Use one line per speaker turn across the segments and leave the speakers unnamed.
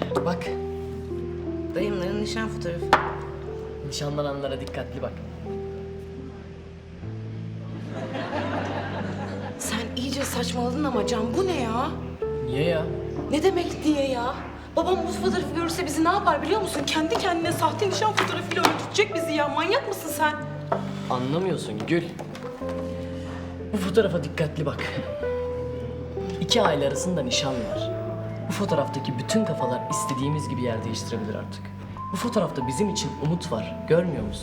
Bak,
Dayımların nişan fotoğrafı.
nişanlananlara dikkatli bak.
Sen iyice saçmaladın ama Can, bu ne ya?
Niye ya?
Ne demek diye ya? Babam bu fotoğrafı görürse bizi ne yapar biliyor musun? Kendi kendine sahte nişan fotoğrafıyla öldürecek bizi ya. Manyak mısın sen?
Anlamıyorsun Gül. Bu fotoğrafa dikkatli bak. 2 aile arasında nişan var. Bu fotoğraftaki bütün kafalar istediğimiz gibi yer değiştirebilir artık. Bu fotoğrafta bizim için umut var. Görmüyor musun?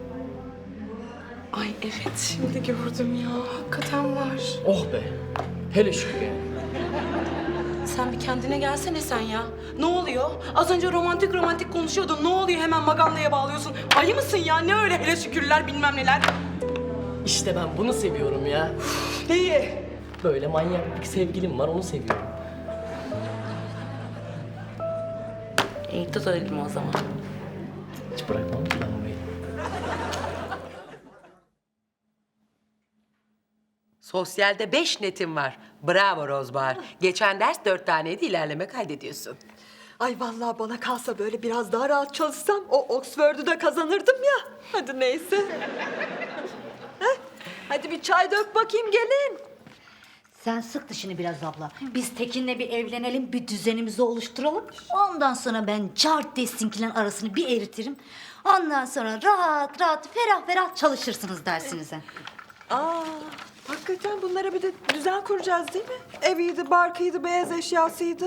Ay evet, şimdi gördüm ya. Hakikaten var.
Oh be. Hele şükür yani.
Sen bir kendine gelsene sen ya. Ne oluyor? Az önce romantik romantik konuşuyordun. Ne oluyor, hemen Maganda'ya bağlıyorsun? Ayı mısın ya? Ne öyle hele şükürler bilmem neler.
İşte ben bunu seviyorum ya.
Neyi?
Böyle manyak bir sevgilim var, onu seviyorum.
İyi tut elimi o zaman.
Hiç bırakmam ki ben burayı.
Sosyalde 5 netim var. Bravo Rozbahar. Geçen ders 4 taneydi, ilerleme kaydediyorsun.
Ay vallahi bana kalsa böyle biraz daha rahat çalışsam o Oxford'u da kazanırdım ya. Hadi neyse. Heh, hadi bir çay dök bakayım gelin.
Sen sık dişini biraz abla. Biz Tekin'le bir evlenelim, bir düzenimizi oluşturalım. Ondan sonra ben cart desinkilerin arasını bir eritirim. Ondan sonra rahat rahat, ferah ferah çalışırsınız dersinize.
Aa, hakikaten bunlara bir de düzen kuracağız değil mi? Eviydi, barkıydı, beyaz eşyasıydı.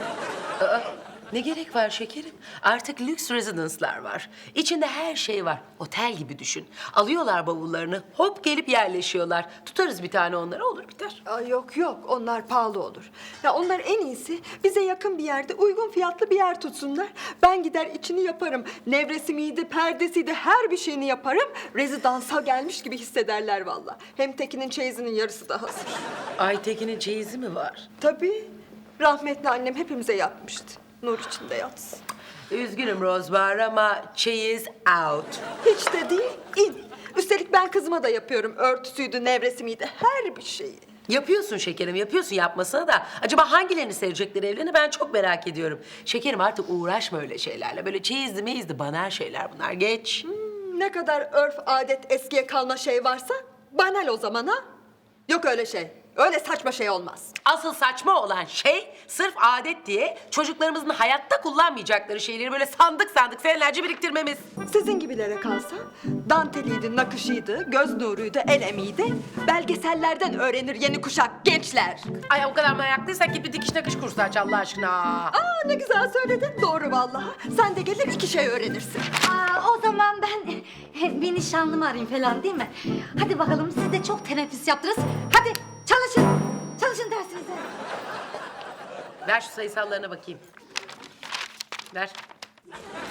Ne gerek var şekerim? Artık lüks residence'lar var. İçinde her şey var. Otel gibi düşün. Alıyorlar bavullarını, hop gelip yerleşiyorlar. Tutarız bir tane onlara, olur biter.
Aa, yok yok onlar pahalı olur. Ya onlar en iyisi bize yakın bir yerde uygun fiyatlı bir yer tutsunlar. Ben gider içini yaparım. Nevresimiydi, perdesiydi her bir şeyini yaparım. Rezidansa gelmiş gibi hissederler vallahi. Hem Tekin'in çeyizinin yarısı da hazır.
Aytekin'in çeyizi mi var?
Tabii rahmetli annem hepimize yapmıştı. Nur içinde yatsın.
Üzgünüm Rozbahar ama çeyiz out.
Hiç de değil, in. Üstelik ben kızıma da yapıyorum. Örtüsüydü, nevresimiydi, her bir şeyi.
Yapıyorsun şekerim, yapıyorsun yapmasına da. Acaba hangilerini sevecekler evlerini ben çok merak ediyorum. Şekerim artık uğraşma öyle şeylerle. Böyle çeyizli meyizli banal şeyler bunlar, geç.
Ne kadar örf, adet, eskiye kalma şey varsa banal o zaman ha. Yok öyle şey. Öyle saçma şey olmaz.
Asıl saçma olan şey sırf adet diye çocuklarımızın hayatta kullanmayacakları şeyleri böyle sandık sandık senelerce biriktirmemiz.
Sizin gibilere kalsa danteliydi, nakışıydı, göz nuruydu, el emeğiydi. Belgesellerden öğrenir yeni kuşak gençler.
Ay o kadar meraklıysak git bir dikiş nakış kursu aç Allah aşkına.
Aa ne güzel söyledin. Doğru vallahi. Sen de gelir 2 şey öğrenirsin.
O zaman ben bir nişanlımı arayayım falan değil mi? Hadi bakalım, siz de çok teneffüs yaptınız. Hadi çalışın, çalışın dersinize.
Ver şu sayısallarına bakayım. Ver.